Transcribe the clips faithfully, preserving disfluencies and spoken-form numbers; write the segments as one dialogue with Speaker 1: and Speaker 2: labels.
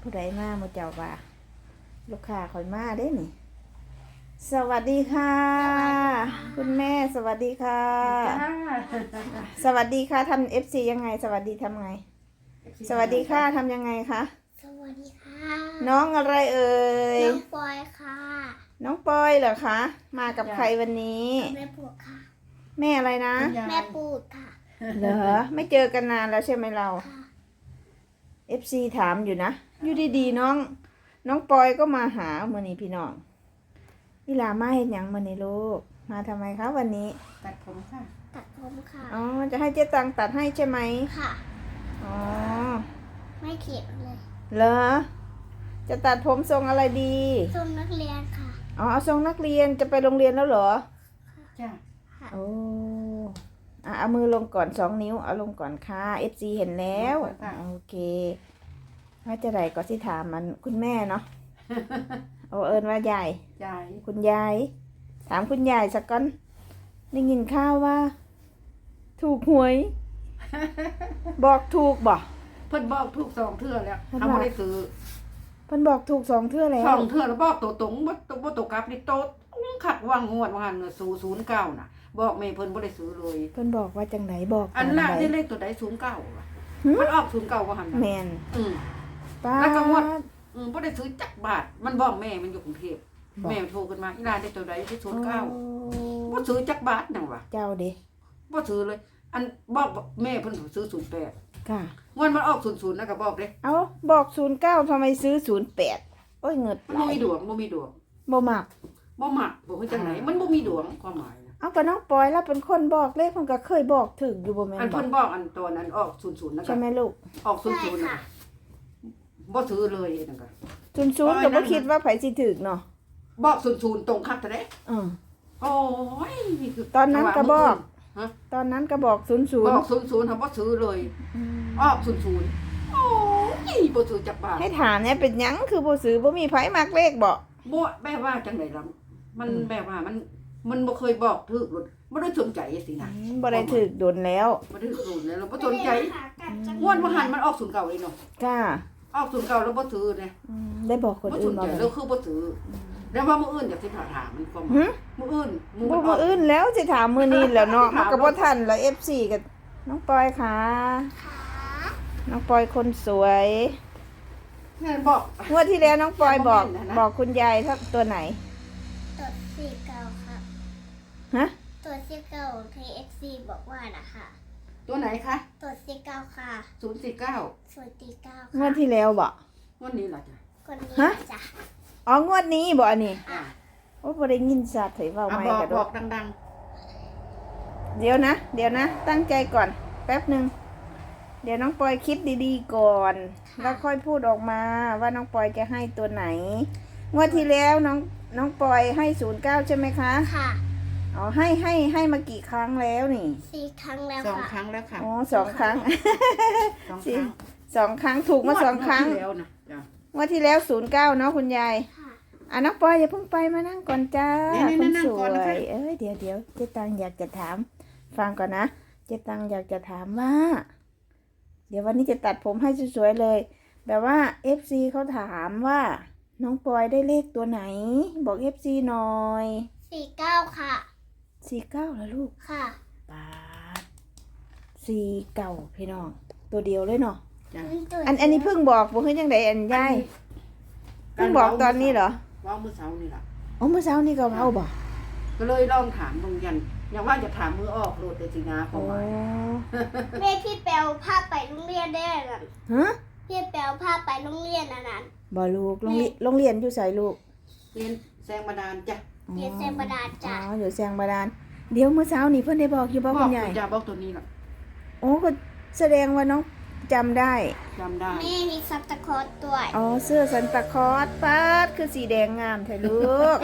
Speaker 1: ผู้ใดมาหมดเจ้าว่าลูกค้าคอยมาได้นี่สวัสดีค่ะคุณแม่สวัสดีค่ะสวัสดีค่ะทำเอฟซียังไงสวัสดีทำไงสวัสดีค่ะทำยังไงคะ
Speaker 2: สวัสดีค่ะ
Speaker 1: น้องอะไรเอ่ย
Speaker 2: น้องปอยค่ะ
Speaker 1: น้องปอยเหรอคะมากับใครวันนี้
Speaker 2: แม่ปูดค่ะ
Speaker 1: แม่อะไรนะ
Speaker 2: แม่ปูดค่ะ
Speaker 1: เหรอไม่เจอกันนานแล้วใช่ไหมเราเอฟซีถามอยู่นะอยู่ดีๆน้องน้องปอยก็มาหาเมื่อนี้พี่น้องนี่ลามาเห็นยังเมื่อนี้ลูกมาทำไมคะวันนี้
Speaker 3: ตัดผมค่ะ
Speaker 2: ตัดผมค่ะ
Speaker 1: อ๋อจะให้เจ๊ตังตัดให้ใช่ไหม
Speaker 2: ค่ะ
Speaker 1: อ๋อ
Speaker 2: ไม่เขียนเลย
Speaker 1: เหรอจะตัดผมทรงอะไรดี
Speaker 2: ทรงนักเรียนค่ะ
Speaker 1: อ๋อเอาทรงนักเรียนจะไปโรงเรียนแล้วเหรอ
Speaker 3: จ้า
Speaker 1: โอ้อ่ะเอามือลงก่อนสองนิ้วเอาลงก่อนค่ะเอฟซีเห็นแล้วโอเคว่าจะไหนก็สิถามมันคุณแม่เนาะโอเอิญว่ายาย
Speaker 3: ยาย
Speaker 1: คุณยายถามคุณยายสักก้อนได้ยินข้าวว่าถูกหวย บอกถูกบ่
Speaker 3: เพิ่นบอกถูกสองเทื่อแล้วเขาไม่ได้ซื้อ
Speaker 1: เพิ่นบอกถูกสองเทื่อแล้ว
Speaker 3: สองเทื่อแล้วบอกตัวตรงบ่บ่ตกกลับนี่โตขัดว่างงวดว่าหันศูนย์ศูนย์เก้าน่ะบอกแม่เพิ่นบ่ได้ซื้อเลย
Speaker 1: เพิ่นบอกว่าจังไหนบอก
Speaker 3: อันน่ะที่เลขตัวใดศูนย์เก้ามันออกศูนย์เก้าว่าหัน
Speaker 1: แม่น
Speaker 3: อืมแล้วก็งวดอืมบ่ได้ซื้อจักบาทมันบอกแม่มันอยู่กรุงเทพแม่โทรขึ้นมาอีหลานได้ตัวใดที่ศูนย์เก้าบ่ซื้อจักบาทนั่นว่ะ
Speaker 1: เจ้าเด้
Speaker 3: บ่ซื้อเลยอันบอกแม่เพิ่นซื้อศูนย์แปด
Speaker 1: ค่ะ
Speaker 3: งวดมันออกศูนย์ศูนย์นะก็บอกเด้
Speaker 1: เอ้าบอกศูนย์เก้าทำไมซื้อศูนย์แปดโอ้ยเงิด
Speaker 3: มันบ่มีดวงบ่มีดวง
Speaker 1: บ่มัก
Speaker 3: บ่มักบ่คือจังไหนมันบ่มีดวงความหมายนะ
Speaker 1: เอาก็น้องปอยแล้วเป็นคนบอกเลขเพิ่นก็เคยบอกถึงอยู่บ่แม่นบ่
Speaker 3: อันเพิ่นบอกอันตัวนั้นออกศูนย์ศูนย์นะ
Speaker 1: ใช่มั้ยลูก
Speaker 3: ออกศูนย์ศูนย์น่ะบ่ซื้อเลยนั่นก็
Speaker 1: ศูนย์ศูนย์ก็บ่คิดว่าไผสิถึกเนาะ
Speaker 3: บอกศูนย์ศูนย์ตรงคักแท้
Speaker 1: เออ
Speaker 3: โอ้ยนี่คือ
Speaker 1: ตอนนั้นก็บอกตอนนั้นก็บอกศูนย์ศูนย์
Speaker 3: บอกศูนย์ศูนย์เฮาบ่ซื้อเลยออกศูนย์ศูนย์โอ้ยบ่ซื้อจักบาท
Speaker 1: ให้ถามเนี่ยเป็นหยังคือบ่ซื้อบ่มีไผมักเลขบ่
Speaker 3: บ่แปลว่าจังได๋ล่ะมันแปลว่ามันมันบ่เคยบอกถูกบ่ได้สนใจสินะ
Speaker 1: บ่ได้ถูกโดนแล้ว
Speaker 3: บ่ได้ถูกแล้วเราบ่สนใจงวดว่าหันมันออกศูนย์เก้าเลยเนาะ
Speaker 1: จ้า
Speaker 3: ออกศูนย์เก้าแล้วบ่ซื้อเลย
Speaker 1: ได้บอกคนอื่นบ่
Speaker 3: แล้วคือบ่ซื้อแล้วว่ามื้ออื่นอยากสิถามมันก็มื้ออื่น
Speaker 1: มื้อมื้ออื่นแล้วสิถามมื้อนี้แล้วเนาะมันก็บ่ทันแล้ว เอฟ ซี ก็น้องปอยค่ะน้องปอยคนสวย
Speaker 3: แม่บอก
Speaker 1: งวดที่แล้วน้องปอยบอกบอกคุณยายตัวไหน
Speaker 2: ตัวสี่เก้าค่ะ
Speaker 1: ฮะ
Speaker 2: ตัวสี่เก้า ที เอ็กซ์ ซี บอกว่านะคะ
Speaker 3: ตัวไหนคะ
Speaker 2: ตัวสี่เก้าค่ะ
Speaker 3: ศูนย์สี่เก้า
Speaker 2: ศูนย์สี่เก้า
Speaker 1: งวดที่แล้วบ่
Speaker 3: งวดนี้ล่ะจ้ะ
Speaker 2: คนนี้จ้ะ
Speaker 1: อ๋องวดนี้บ่อันนี้โอ้บ่ได้ยินชัดเถยเว้าใหม่กระโดด
Speaker 3: บอกดัง
Speaker 1: ๆเดี๋ยวนะเดี๋ยวนะตั้งใจก่อนแป๊บนึงเดี๋ยวน้องปอยคิดดีๆก่อนแล้วค่อยพูดออกมาว่าน้องปอยจะให้ตัวไหนงวดที่แล้วน้องน้องปอยให้ศูนย์เก้าใช่ไหมคะ
Speaker 2: ค่ะ
Speaker 1: อ๋อให้ให้ให้มากี่ครั้งแล้วนี่
Speaker 2: สี่ครั้งแล้ว
Speaker 3: ค่ะสองครั้งแล้วค่ะ
Speaker 1: อ๋อสองครั้ง
Speaker 3: สองครั้ง
Speaker 1: สองครั้งถูกมาสองครั้งงวดที่แล้วศูนย์เก้าเนาะคุณยายอ่ะน้องปอยอย่าเพิ่งไปมานั่งก่อนจ้าคนสวยเอ้ยเดี๋ยวเดี๋ยวเจ๊ตังอยากจะถามฟังก่อนนะเจ๊ตังอยากจะถามว่าเดี๋ยววันนี้จะตัดผมให้สวยๆเลยแบบว่า เอฟ ซี เขาถามว่าน้องปอยได้เลขตัวไหนบอก เอฟ ซี หน่อย
Speaker 2: สี่เก้าค่ะ
Speaker 1: สี่เก้าเหรอลูก
Speaker 2: ค่ะ
Speaker 1: ปาดสี่เก้าพี่น้องตัวเดียวเลยเนาะอันอันนี้เพิ่งบอกบอกให้ยังไงอันยายเพิ่งบอกตอนนี้เหรอ
Speaker 3: ว่ามื้อเช้านี่ล่ะ
Speaker 1: อ๋อมื้อเช้านี่ก็เว้าบ่
Speaker 3: ก็เลยลองถามบางยันอย่างว่าจะถามมือออกโลดแต่สินะประมาณ
Speaker 2: แม่พี่แปลวพาไปโรงเรียนได้น่ะ
Speaker 1: ฮะ
Speaker 2: พี่แปลวพาไปโรงเรียนอันนั้น
Speaker 1: บ่ลูกโรงเรียนโรงเรียนอยู่ไสลูก
Speaker 3: เรียนแสงบาดาลจ้ะ
Speaker 2: เรียนแสงบาดาลจ้ะ
Speaker 1: อ๋ออยู่แสงบาดาลเดี๋ยวมื้อเช้านี่เพิ่นได้บอกอยู่บ่คุณยาย
Speaker 3: บอกจะบอกตัวนี้ล่ะ
Speaker 1: โอ้ก็แสดงว่าน้องจำได้
Speaker 3: จำได้
Speaker 2: แม่มีซันตาคลอสด้วย
Speaker 1: อ๋อเสื้อซันตาคลอสป๊าดคือสีแดงงามแท้ลูก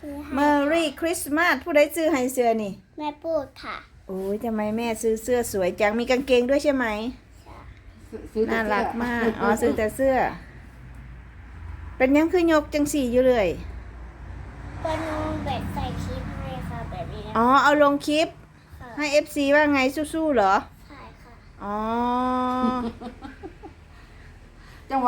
Speaker 1: Merry Christmas ผู้ใดซื้อให้เสื้อนี่
Speaker 2: แม่พูดค่ะ
Speaker 1: โอ้ยทำไมแม่ซื้อเสื้อสวยจังมีกางเกงด้วยใช่ไหมน่ารักมากอ๋อซื้อแต่เสื้อเป็นยังคือยกจังสี่อยู่เลย
Speaker 2: ก็น้องแบบใส่คลิปให้ค่ะแบบนี้
Speaker 1: อ๋อเอาลงคลิปให้ เอฟ ซี ว่าไงสู้ๆเหรอ
Speaker 2: ใช่ค่ะ
Speaker 1: อ๋อ
Speaker 3: จังหวะ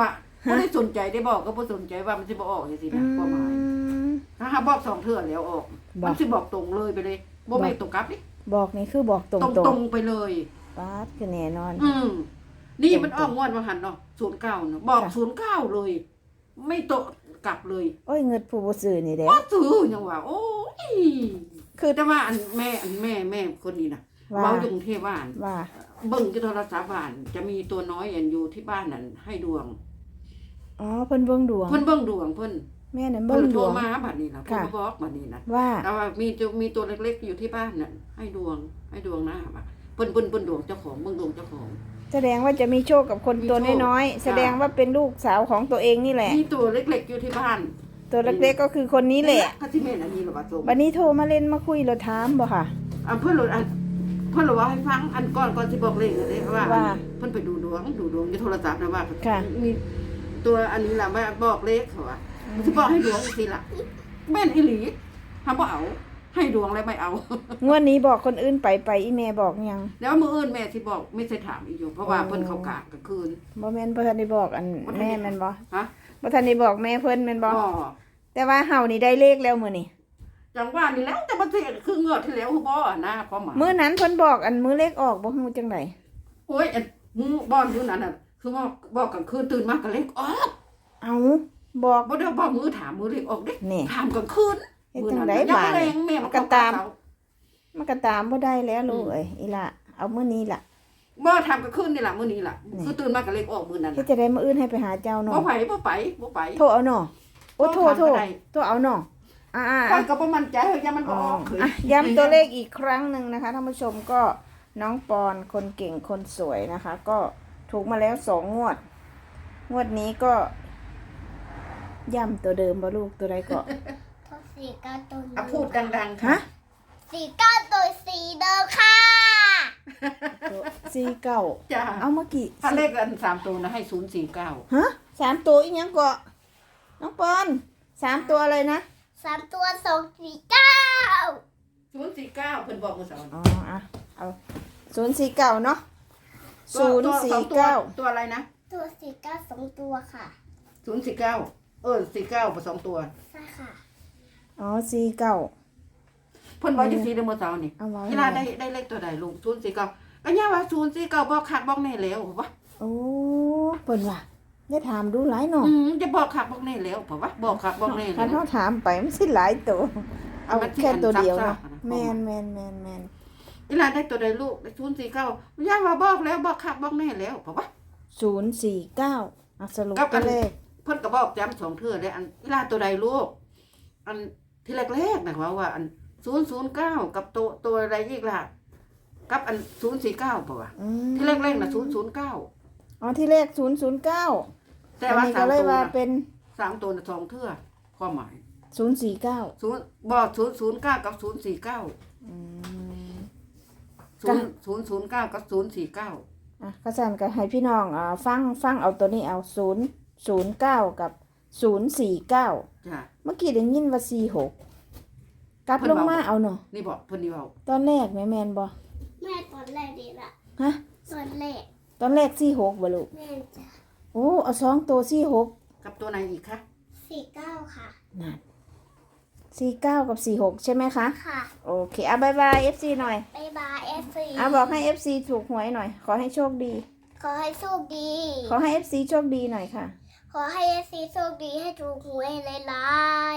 Speaker 3: บ่ได้สนใจได้บอกก็บ่สนใจว่ามันสิบ่ออกจังซี่นะความหมายถ้าหาบอกสองเทื่อแล้วออกมันสิบอกตรงเลยไปเลยบ่แม่นตรงกลับดิ
Speaker 1: บอกนี่คือบอกตรง
Speaker 3: ตรง
Speaker 1: ตรง
Speaker 3: ตรงไปเลย
Speaker 1: ป๊าดคือแน่นอน
Speaker 3: อืมนี่มันออกงวดว่าหันเนาะศูนย์เก้าเนาะบอกศูนย์เก้าเลย ไม่โตกลับเลย
Speaker 1: โอ้ยเงินผู้บ่ซื้อนี่แหละ
Speaker 3: บ่ซื้อยังว่าโอ้ยคือแต่ว่าอันแม่อันแม่แม่คนนี้น่ะ
Speaker 1: ว่า
Speaker 3: เว้าอยู่กรุงเทพว่าอัน
Speaker 1: ว่า
Speaker 3: เบิ่งที่โทรศัพท์บ้านจะมีตัวน้อยอันอยู่ที่บ้านนั่นให้ดวง
Speaker 1: อ๋อเพิ่นเบิ่งดวง
Speaker 3: เพิ่นเบิ่งดวงเพิ่น
Speaker 1: แม่นั่น
Speaker 3: เพิ่
Speaker 1: เบิ่
Speaker 3: น
Speaker 1: งด
Speaker 3: โทร
Speaker 1: วง
Speaker 3: มาบัดนี้นะเพิ่น
Speaker 1: ค่ะ
Speaker 3: มาบอกบัดนี้นะ
Speaker 1: ว่า
Speaker 3: แต่ว่ามีจะมีตัวเล็กๆอยู่ที่บ้านน่ะให้ดวงให้ดวงหน้าบ่ะเพิ่นเพิ่นเพิ่นดวงเจ้าของเบิ่งดวงเจ้าของ
Speaker 1: แสดงว่าจะมีโชคกับคนตัว
Speaker 3: มีโชค
Speaker 1: น้อยๆแสดงว่าเป็นลูกสาวของตัวเองนี่แหละ
Speaker 3: มีตัวเล็กๆอยู่ที่บ้าน
Speaker 1: ตัวเล็กๆก็คือคนนี้แหละ
Speaker 3: ก็ที่แม่นอันนี้เหรอว่าส่ง
Speaker 1: วันนี้โทรมาเล่นมาคุยเราถามบ่ค่ะ
Speaker 3: อ่ะเพิ่นโหลดอันเพิ่นโหลดว่าให้ฟังอันก่อนก่อนสิบอกเลขเลยเด้ว่า
Speaker 1: ว่า
Speaker 3: เพิ่นไปดูดวงดูดวงในโทรศัพท์นะว่า
Speaker 1: ค่ะ
Speaker 3: มีตัวอันนี้ล่ะมาบอกเลขเขาว่าสิบอกให้ดวงอีกทีล่ะแม่นอีหลีทำบ่เอาให้ดวงแล้วไม่เอา
Speaker 1: งวดนี้บอกคนอื่นไปไปอีแม่บอกยัง
Speaker 3: แล้วมื้ออื่นแม่สิบอกไม่ใช่ถามอีกอยู่เพราะว่าเพิ่นเข้ากะกลางคืน
Speaker 1: บ่แม่นบ่ทันได้บอกอัน
Speaker 3: บ่ทันได้
Speaker 1: แม่แม่นบ่
Speaker 3: ฮะ
Speaker 1: บ่ทันได้บอกแม่เพิ่นแม่นบ่
Speaker 3: บ่
Speaker 1: แต่ว่าเฮานี่ได้เลขแล้วมื้อนี้
Speaker 3: จังว่านี่แล้วแต่มันสิคือเงือดที่แล้วคือบ่นะความหมาย
Speaker 1: มื้อนั้นเพิ่นบอกอันมื้อเลขออกบ่ฮู้จังได๋
Speaker 3: โอ้ยอันหมู่บ้านอยู่นั้นน่ะคือว่าบอกกลางคืนตื่นมาก็เลขออก
Speaker 1: เอ้าบอก
Speaker 3: บ่ได้บ่มือถามมือเลขออกเด้
Speaker 1: นี่
Speaker 3: ถามกลางคืน
Speaker 1: เฮ็ดจังได๋
Speaker 3: ยัง
Speaker 1: บาด
Speaker 3: แร
Speaker 1: นี่
Speaker 3: งแม่มัน
Speaker 1: ก็
Speaker 3: ก็
Speaker 1: ตา
Speaker 3: ตาม ม
Speaker 1: มันก็ตามบ่ได้แล้วลูกเอ้ยอีหล่ะเอามื้อนี้ล่ะ
Speaker 3: บ่ทำกลางคืนนี่ล่ะมื้อนี้ล่ะ
Speaker 1: นี่
Speaker 3: คือตื่นมาก็เลขออกมื้อนั้น
Speaker 1: เฮ็ด
Speaker 3: น่ะ
Speaker 1: จะได้มื้ออื่นให้ไปหาเจ้า
Speaker 3: บ่
Speaker 1: เนาะ
Speaker 3: ไปบ่ไปบ่ไป
Speaker 1: โทรเอาเนาะโอ้โทร
Speaker 3: โท
Speaker 1: โท
Speaker 3: ร
Speaker 1: ร
Speaker 3: ทางใด
Speaker 1: โทรเอาเนาะอ่า
Speaker 3: ข้อย
Speaker 1: ๆ
Speaker 3: ก็บ่มั่นใจเฮ้ยยังมัน
Speaker 1: อ๋
Speaker 3: บ่
Speaker 1: อ
Speaker 3: ออกเฮ้ย
Speaker 1: อ่ะย้ำตัวเลขอีกครั้งหนึ่งนะคะท่านผู้ชมก็น้องปอนคนเก่งคนสวยนะคะ ก็ถูกมาแล้วสองงวด งวดนี้ก็ย้ำตัวเดิมบ่ลูกตัวใดก็
Speaker 2: พอสี่เก้าตัว
Speaker 3: อ่ะพูดดังๆ
Speaker 1: ฮะ
Speaker 3: ค่ะ
Speaker 2: สี่เก้าตัวสีเดิมค่ะ
Speaker 1: ตัวสี่เก้า
Speaker 3: จ้า
Speaker 1: เอาเมื่อกี้
Speaker 3: ถ้าเลขอันสามตัวนะให้ศูนย์สี่เก้า
Speaker 1: ฮะสามตัวอีกยังก็น้องปอนสามตัวอะไรนะ
Speaker 2: สามตัวสองสี่เก้า
Speaker 3: ศูนย์สี่เก้าเพิ่นบอกเมื่อเช้า
Speaker 1: อ๋ออ่ะเอาศูนย์สี่เก้าเนาะ
Speaker 3: ตัว
Speaker 1: ศูนย์
Speaker 3: ตัว
Speaker 1: สี่
Speaker 3: สองตัว
Speaker 1: เก้า
Speaker 3: ตัวอะไรนะ
Speaker 2: ตัวสี่เก้าสองตัวค่ะ
Speaker 3: ศูนย์สี่เก้าเออสี่เก้าผสมตัว
Speaker 2: ใช่ค่ะ
Speaker 1: อ๋อสี่เก้า
Speaker 3: เพิ่นบอกจังซี่เด้อเมื่อเช้านี่
Speaker 1: เอาไว้
Speaker 3: เวลาได้ได้เลขตัวใดลุงศูนย์สี่เก้าก็ย่าว่าศูนย์สี่เก้าบอกคักบอกแน่แล้วเพราะว่า
Speaker 1: โอ้เปิ่นว่ะได้ถามดูหลายเนาะ
Speaker 3: อืมจะบอกคักบอกแน่แล้วเพราะว่าบอกคักบอกแน่
Speaker 1: คัน
Speaker 3: แล้ว
Speaker 1: เขาถามไปมันสิหลายตัว เอา
Speaker 3: มันสิ
Speaker 1: แค่ตัวเดียว
Speaker 3: อันซั
Speaker 1: เนาะ
Speaker 3: บๆนะ
Speaker 1: แมนแมนแมนแมน
Speaker 3: เวลาได้ตัวใดลูกได้ศูนย์สี่เก้าย่าว่าบอกแล้วบอกคักบอกแน่แล้วเพราะว่า
Speaker 1: ศูนย์สี่เก้าอ่ะสรุป
Speaker 3: กับอั
Speaker 1: ตัวน เลข
Speaker 3: เพิ่นก็บอกย้ำสองเทื่อเลยอันเวลาตัวใดลูกอันที่แรกๆนะว่าว่าอันศูนย์ศูนย์เก้ากับตัวตัวอะไรอีกล่ะกับอันศูนย์สี่เก้าป่ะวะ
Speaker 1: อืม
Speaker 3: ที่แรกๆน่ะศูนย์ศูนย์เก้า
Speaker 1: อ๋อที่เลขศูนย์ศูนย์เก้า
Speaker 3: แต่ว่า
Speaker 1: อันนี้
Speaker 3: สา
Speaker 1: ก็
Speaker 3: ม
Speaker 1: เลย
Speaker 3: ตัว
Speaker 1: ว่า
Speaker 3: น่ะ
Speaker 1: เป็น
Speaker 3: สามตัวน่ะสองเทื่อความหมาย
Speaker 1: ศูนย์สี่เก้า
Speaker 3: ศูนย์บอกศูนย์ศูนย์เก้ากับศูนย์สี่เก้า
Speaker 1: อืม
Speaker 3: ศูนย์ศูนย์ศูนย์เก้ากับศูนย์สี่เก้า
Speaker 1: อ่ะก็สั่นก็ให้พี่น้องอ่าฟังฟังเอาตัวนี้เอาศูนย์ศูนย์เก้ากับศูนย์สี่เก้า
Speaker 3: จ้ะ
Speaker 1: เมื่อกี้ได้ยินว่าสี่หกกลับ
Speaker 3: เพิ่น
Speaker 1: ลง
Speaker 3: เว้า
Speaker 1: มาเอาเนาะ
Speaker 3: นี่บอกเพิ่นนี่บอก
Speaker 1: ตอนแรกแม่แมนบ่
Speaker 2: แม่ตอนแรกดีละ
Speaker 1: ฮะ
Speaker 2: ตอนแรก
Speaker 1: ตอนแรกสี่หกบ่ลูก
Speaker 2: แม่จะ
Speaker 1: โอ้เอาสองตัวสี่หก
Speaker 3: กับตัวไหนอีกคะ
Speaker 2: สี่เก้าค่ะ
Speaker 1: นั่นสี่เก้ากับสี่หกใช่ไหมคะ
Speaker 2: ค่ะ
Speaker 1: โอเคอ่ะบายบายเอฟซีหน่อย
Speaker 2: บายบายเอฟซี
Speaker 1: อ่ะบอกให้เอฟซีถูกหวยหน่อย ขอให้โชคดี
Speaker 2: ขอให้โชคดี
Speaker 1: ขอให้เอฟซีโชคดีหน่อยค่ะ
Speaker 2: ขอให้เอฟซีโชคดีให้ถูกหวยหลาย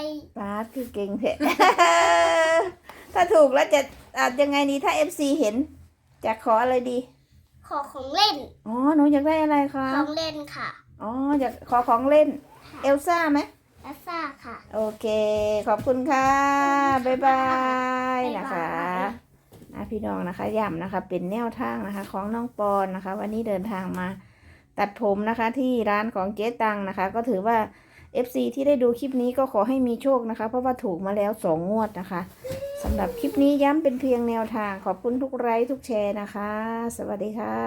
Speaker 1: ป้าดคือเก่งเถอะ ถ้าถูกแล้วจะอาจยังไงดีถ้าเอฟซีเห็น จะขออะไรดี
Speaker 2: ๆขอของเล่น
Speaker 1: อ๋อหนูอยากได้อะไรคะ
Speaker 2: ของเล่นค่ะ
Speaker 1: อ๋ออยากขอของเล่น เอลซ่าไหม
Speaker 2: แอสซ่าค่ะ
Speaker 1: โอเค ขอบคุณค่ะ บ๊ายบาย
Speaker 2: บ๊ายบาย
Speaker 1: นะคะนะพี่น้องนะคะย้ำนะคะ เป็นแนวทางนะคะ ของน้องปอนนะคะ วันนี้เดินทางมาตัดผมนะคะ ที่ร้านของเจ๊ตังนะคะ ก็ถือว่า เอฟ ซี ที่ได้ดูคลิปนี้ก็ขอให้มีโชคนะคะ เพราะว่าถูกมาแล้วสองงวดนะคะสำหรับคลิปนี้ย้ำเป็นเพียงแนวทาง ขอบคุณทุกไลค์ทุกแชร์นะคะ สวัสดีค่ะ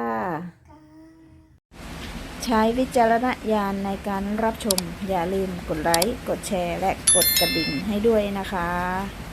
Speaker 1: ใช้วิจารณญาณในการรับชม อย่าลืมกดไลค์ กดแชร์ และกดกระดิ่งให้ด้วยนะคะ